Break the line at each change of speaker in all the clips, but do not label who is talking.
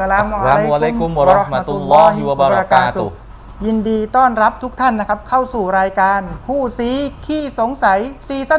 ลามุอะลัยกุมวะเราะห์มะตุลลอฮิวะบะเราะกาตุฮ์ยินดีต้อนรับทุกท่านนะครับเข้าสู่รายการคู่ซีขี้สงสัยซีซั่น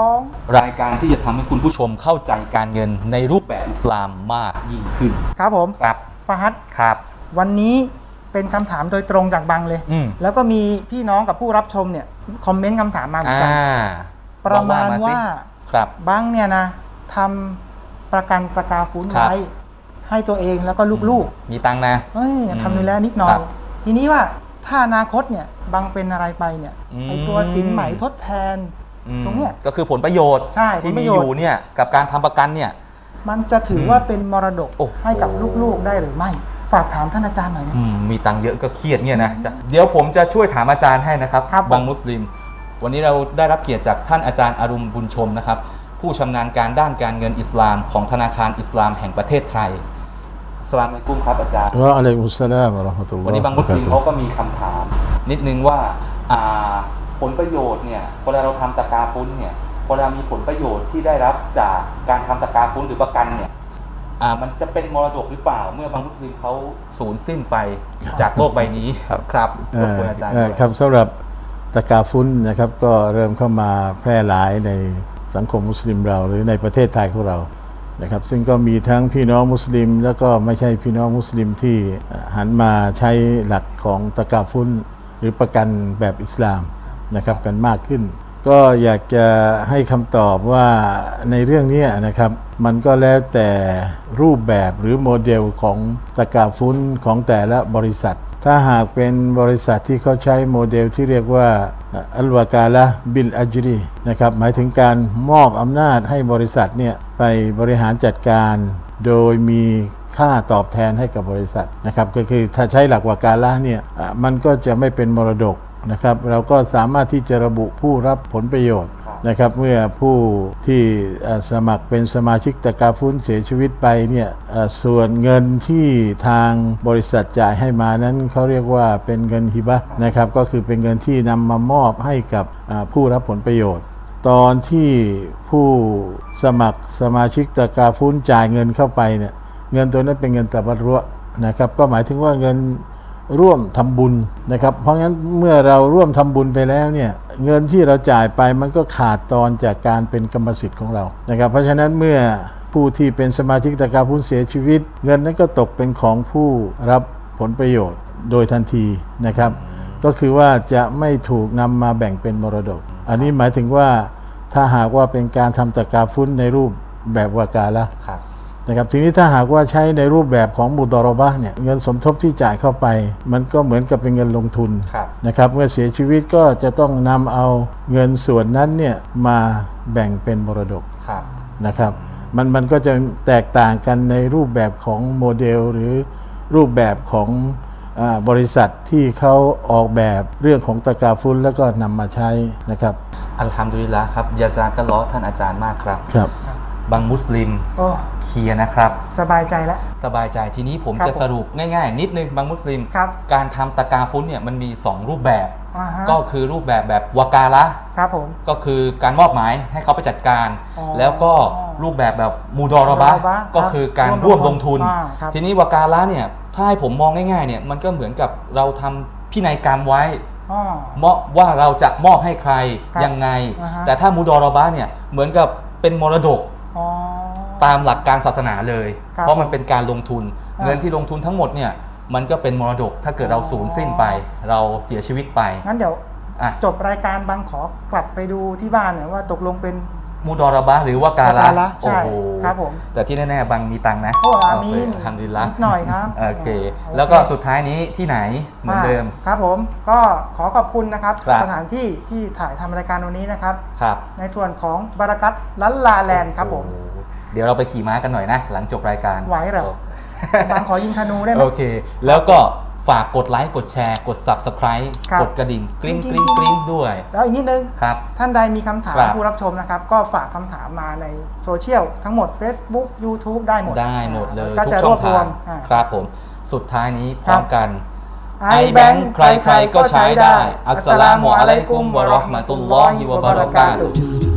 2
รายการที่จะทำให้คุณผู้ชมเข้าใจการเงินในรูปแบบอิสลามมากยิ่งขึ้น
ครับผม
ครับ
ฟาฮัด
ครับ
วันนี้เป็นคำถามโดยตรงจากบังเลยแล้วก็มีพี่น้องกับผู้รับชมเนี่ยคอมเมนต์คำถามมาเหมือนกันประมาณว่าบังเนี่ยนะทำประกันตะกาฟุ้นไว้ให้ตัวเองแล้วก็ลูก
ๆมีตังค์นะ
ทำดูแลนิดหน่อยทีนี้ว่าถ้าอนาคตเนี่ยบังเป็นอะไรไปเนี่ยไอตัวสินไหมทดแทนตรงเนี้ย
ก็คือผลประโยชน์ที่มีอยู่เนี่ยกับการทำประกันเนี่ย
มันจะถือว่าเป็นมรดกให้กับลูกๆได้หรือไม่ฝากถามท่านอาจารย์หน่อยนะ
มีตังค์เยอะก็เครียดเนี่ยนะเดี๋ยวผมจะช่วยถามอาจารย์ให้นะครับบางมุสลิมวันนี้เราได้รับเกียรติจากท่านอาจารย์อารุมบุญชมนะครับผู้ชำนาญการด้านการเงินอิสลามของธนาคารอิสลามแห่งประเทศไทยอัสสลามุอะลัยกุมครับอาจารย์
วะอะลัยกุมุสสลามวะเราะห์มะตุลลอฮ์
วันนี้บางมุสลิมเขาก็มีคำถามนิดนึงว่าผลประโยชน์เนี่ยเวลาเราทำตะกาฟุ้นเนี่ยเวลามีผลประโยชน์ที่ได้รับจากการทำตะกาฟุ้นหรือประกันเนี่ยมันจะเป็นมรดกหรือเปล่าเมื่อบางมุสลิมเขาสูญสิ้นไปจากโลกใบนี้ครับรบกวนอาจารย์
ครับสำหรับตะกาฟุ้นนะครับก็เริ่มเข้ามาแพร่หลายในสังคมมุสลิมเราหรือในประเทศไทยของเรานะครับซึ่งก็มีทั้งพี่น้องมุสลิมแล้วก็ไม่ใช่พี่น้องมุสลิมที่หันมาใช้หลักของตะกาฟุ้นหรือประกันแบบอิสลามนะครับกันมากขึ้นก็อยากจะให้คำตอบว่าในเรื่องนี้นะครับมันก็แล้วแต่รูปแบบหรือโมเดลของตะกาฟุ้นของแต่ละบริษัทถ้าหากเป็นบริษัทที่เขาใช้โมเดลที่เรียกว่าอัลวากาละบิลอัจรีนะครับหมายถึงการมอบอำนาจให้บริษัทเนี่ยไปบริหารจัดการโดยมีค่าตอบแทนให้กับบริษัทนะครับก็คือถ้าใช้หลักวากาละเนี่ยมันก็จะไม่เป็นมรดกนะครับเราก็สามารถที่จะระบุผู้รับผลประโยชน์นะครับเมื่อผู้ที่สมัครเป็นสมาชิกตะกาฟุ้นเสียชีวิตไปเนี่ยส่วนเงินที่ทางบริษัทจ่ายให้มานั้นเขาเรียกว่าเป็นเงินฮิบะห์นะครับก็คือเป็นเงินที่นำมามอบให้กับผู้รับผลประโยชน์ตอนที่ผู้สมัครสมาชิกตะกาฟุ้นจ่ายเงินเข้าไปเนี่ยเงินตัวนั้นเป็นเงินตะบัรรุอ์นะครับก็หมายถึงว่าเงินร่วมทำบุญนะครับเพราะงั้นเมื่อเราร่วมทำบุญไปแล้วเนี่ยเงินที่เราจ่ายไปมันก็ขาดตอนจากการเป็นกรรมสิทธิ์ของเรานะครับเพราะฉะนั้นเมื่อผู้ที่เป็นสมาชิกตะกาฟุ้นเสียชีวิตเงินนั้นก็ตกเป็นของผู้รับผลประโยชน์โดยทันทีนะครับก็คือว่าจะไม่ถูกนำมาแบ่งเป็นมรดกอันนี้หมายถึงว่าถ้าหากว่าเป็นการทำตะกาฟุ้นในรูปแบบวากาละนะครับทีนี้ถ้าหากว่าใช้ในรูปแบบของมุดอรอบะห์เนี่ยเงินสมทบที่จ่ายเข้าไปมันก็เหมือนกับเป็นเงินลงทุนนะครับเมื่อเสียชีวิตก็จะต้องนำเอาเงินส่วนนั้นเนี่ยมาแบ่งเป็นมรดกนะครับมันก็จะแตกต่างกันในรูปแบบของโมเดลหรือรูปแบบของบริษัทที่เขาออกแบบเรื่องของตะกาฟุ้นแล้วก็นำมาใช้นะครับ
อัลฮัมดุลิลละห์ครับยะซากัลลอฮ์ท่านอาจารย์มากครับบางมุสลิมเคลียร์นะครับ
สบายใจแล้ว
สบายใจทีนี้ผมจะสรุปง่ายๆนิดนึงบางมุสลิมการทำตะกาฟุ้นเนี่ยมันมี2รูปแบบก็คือรูปแบบวากาละก็คือการมอบหมายให้เขาไปจัดการแล้วก็รูปแบบมุดอรอบะห์ก็คือการร่วมลงทุนทีนี้วากาละเนี่ยถ้าให้ผมมองง่ายๆเนี่ยมันก็เหมือนกับเราทำพินัยกรรมไว้ว่าเราจะมอบให้ใครยังไงแต่ถ้ามุดอรอบะห์เนี่ยเหมือนกับเป็นมรดกตามหลักการศาสนาเลยเพราะมันเป็นการลงทุนเงินที่ลงทุนทั้งหมดเนี่ยมันก็เป็นมรดกถ้าเกิดเราสูญสิ้นไปเราเสียชีวิตไป
งั้นเดี๋ยวจบรายการบางขอกลับไปดูที่บ้านเนี่ยว่าตกลงเป็น
มุดอรอบะห์หรือวากาละ
ใช่ครับผม
แต่ที่แน่ๆบางมีตังค์นะ
อามีน
ทำดีละ
หน่อยครับ
โอเคแล้วก็สุดท้ายนี้ที่ไหนเหมือนเดิม
ครับผมก็ขอขอบคุณนะครับสถานที่ที่ถ่ายทำรายการวันนี้นะครับในส่วนของบารากัตลัลลาแลนด์ครับผม
เดี๋ยวเราไปขี่ม้ากันหน่อยนะหลังจบรายการ
ไหวเหรอบางขอยิงธนูได้ไหม
โอเคแล้วก็ฝากกดไลค์กดแชร์กด Subscribe กดกระดิ่งกริ๊งกริ๊งกริ๊งด้วย
แล้วอีกนิดนึง
ครับ
ท่านใดมีคำถามผู้รับชมนะครับก็ฝากคำถามมาในโซเชียลทั้งหมด Facebook YouTube ได้หมด
เลยทุกช่องทางครับผมสุดท้ายนี้พร้อมกันไอแบงค์ใครๆก็ใช้ได้อัสสลามุอะลัยกุมวะเราะห์มะตุลลอฮิวะบะเราะกาตุฮ์